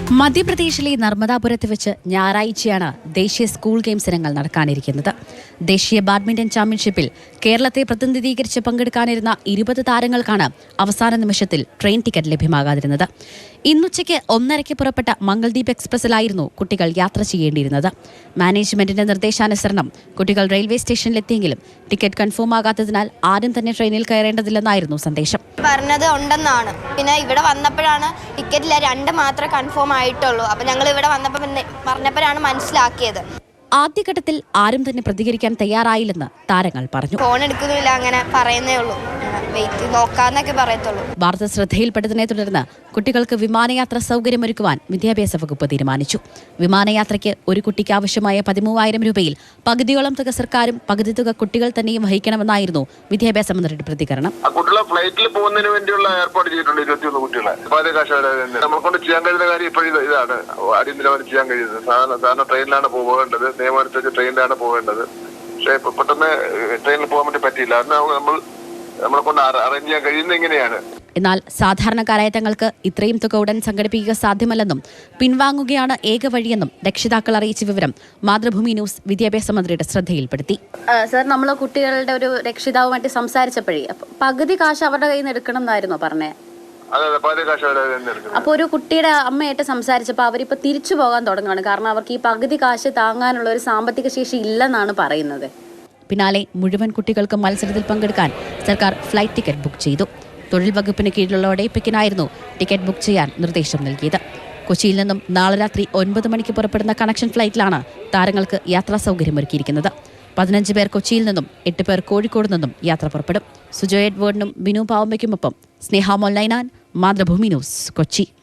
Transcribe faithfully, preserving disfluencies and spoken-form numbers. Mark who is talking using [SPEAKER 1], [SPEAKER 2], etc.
[SPEAKER 1] മധ്യപ്രദേശിലെ നർമ്മദാപുരത്ത് വെച്ച് ഞായറാഴ്ചയാണ് ദേശീയ സ്കൂൾ ഗെയിംസ് ഇനങ്ങൾ നടക്കാനിരിക്കുന്നത്. ദേശീയ ബാഡ്മിന്റൺ ചാമ്പ്യൻഷിപ്പിൽ കേരളത്തെ പ്രതിനിധീകരിച്ച് പങ്കെടുക്കാനിരുന്ന ഇരുപത് താരങ്ങൾക്കാണ് അവസാന നിമിഷത്തിൽ ട്രെയിൻ ടിക്കറ്റ് ലഭ്യമാകാതിരുന്നത്. ഇന്നുച്ചയ്ക്ക് ഒന്നരയ്ക്ക് പുറപ്പെട്ട മംഗൾദീപ് എക്സ്പ്രസിലായിരുന്നു കുട്ടികൾ യാത്ര ചെയ്യേണ്ടിയിരുന്നത്. മാനേജ്മെന്റിന്റെ നിർദ്ദേശാനുസരണം കുട്ടികൾ റെയിൽവേ സ്റ്റേഷനിലെത്തിയെങ്കിലും ടിക്കറ്റ് കൺഫേം ആകാത്തതിനാൽ ആരും തന്നെ ട്രെയിനിൽ കയറേണ്ടതില്ലെന്നായിരുന്നു സന്ദേശം.
[SPEAKER 2] പറഞ്ഞത് ഉണ്ടെന്നാണ്. പിന്നെ ഇവിടെ വന്നപ്പോഴാണ് ടിക്കറ്റില്ല, രണ്ട് മാത്രമേ കൺഫേം ആയിട്ടുള്ളൂ. അപ്പൊ ഞങ്ങൾ ഇവിടെ വന്നപ്പോൾ പറഞ്ഞപ്പോഴാണ് മനസ്സിലാക്കിയത്.
[SPEAKER 1] ആദ്യഘട്ടത്തിൽ ആരും തന്നെ പ്രതികരിക്കാൻ തയ്യാറായില്ലെന്ന് താരങ്ങൾ പറഞ്ഞു.
[SPEAKER 2] ഫോൺ എടുക്കുന്നില്ല, അങ്ങനെ പറയുന്നേ ഉള്ളൂ, വെയിറ്റ് നോക്കാന്നൊക്കെ പറയത്തുള്ളൂ.
[SPEAKER 1] വാർത്ത ശ്രദ്ധയിൽപ്പെട്ടതിനെ തുടർന്ന് കുട്ടികൾക്ക് വിമാനയാത്ര സൗകര്യമൊരുക്കുവാൻ വിദ്യാഭ്യാസ വകുപ്പ് തീരുമാനിച്ചു. വിമാനയാത്രയ്ക്ക് ഒരു കുട്ടിക്ക് ആവശ്യമായ പതിമൂവായിരം രൂപയിൽ പകുതിയോളം തുക സർക്കാരും പകുതി തുക കുട്ടികൾ തന്നെയും വഹിക്കണമെന്നായിരുന്നു വിദ്യാഭ്യാസ മന്ത്രിയുടെ പ്രതികരണം.
[SPEAKER 3] കുട്ടികളെ ഫ്ലൈറ്റിൽ പോകുന്നതിന് വേണ്ടിയുള്ള ഏർപ്പാട് ചെയ്തിട്ടുണ്ട്. ഇരുപത്തിയൊന്ന് കുട്ടികളെ നമ്മളെ കൊണ്ട് ചെയ്യാൻ കഴിയുന്ന കാര്യം ഇപ്പോഴും ഇതാണ് അടിയന്തരമായി ചെയ്യാൻ കഴിയുന്നത്. സാധാരണ സാധാരണ ട്രെയിനിലാണ് പോകേണ്ടത്, നിയമമനുസരിച്ച് ട്രെയിനിലാണ് പോകേണ്ടത്. പക്ഷേ പെട്ടെന്ന് ട്രെയിനിൽ പോകാൻ വേണ്ടി പറ്റിയില്ല. അന്ന് നമ്മൾ നമ്മളെ കൊണ്ട് അറേഞ്ച് ചെയ്യാൻ കഴിയുന്നത് ഇങ്ങനെയാണ്.
[SPEAKER 1] എന്നാൽ സാധാരണക്കാരായ തങ്ങൾക്ക് ഇത്രയും തുക ഉടൻ സംഘടിപ്പിക്കുക സാധ്യമല്ലെന്നും പിൻവാങ്ങുകയാണ് ഏക വഴിയെന്നും രക്ഷിതാക്കൾ അറിയിച്ച വിവരം മാതൃഭൂമി ന്യൂസ് വിദ്യാഭ്യാസ മന്ത്രിയുടെ ശ്രദ്ധയിൽപ്പെടുത്തി.
[SPEAKER 4] സർ, നമ്മൾ കുട്ടികളുടെ ഒരു രക്ഷിതാവുമായിട്ട് സംസാരിച്ചപ്പോഴേ പകുതി കാശ് അവരുടെ കയ്യിൽ നിന്ന് എടുക്കണം എന്നായിരുന്നോ പറഞ്ഞേ? അപ്പോൾ ഒരു കുട്ടിയുടെ അമ്മയായിട്ട് സംസാരിച്ചപ്പോൾ അവരിപ്പോൾ തിരിച്ചു പോകാൻ തുടങ്ങുകയാണ്. കാരണം അവർക്ക് ഈ പകുതി കാശ് താങ്ങാനുള്ള ഒരു സാമ്പത്തിക ശേഷി ഇല്ലെന്നാണ് പറയുന്നത്.
[SPEAKER 1] പിന്നാലെ മുഴുവൻ കുട്ടികൾക്കും മത്സരത്തിൽ പങ്കെടുക്കാൻ സർക്കാർ ഫ്ലൈറ്റ് ടിക്കറ്റ് ബുക്ക് ചെയ്തു. തൊഴിൽ വകുപ്പിന് കീഴിലുള്ള ഒഡേപ്പിക്കിനായിരുന്നു ടിക്കറ്റ് ബുക്ക് ചെയ്യാൻ നിർദ്ദേശം നൽകിയത്. കൊച്ചിയിൽ നിന്നും നാളെ രാത്രി ഒൻപത് മണിക്ക് പുറപ്പെടുന്ന കണക്ഷൻ ഫ്ലൈറ്റിലാണ് താരങ്ങൾക്ക് യാത്രാ സൗകര്യമൊരുക്കിയിരിക്കുന്നത്. പതിനഞ്ച് പേർ കൊച്ചിയിൽ നിന്നും എട്ട് പേർ കോഴിക്കോട് നിന്നും യാത്ര പുറപ്പെടും. സുജോ എഡ്വേർഡിനും ബിനു പാവമ്മയ്ക്കുമൊപ്പം സ്നേഹ മൊല്ലൈനാൻ, മാതൃഭൂമി ന്യൂസ്, കൊച്ചി.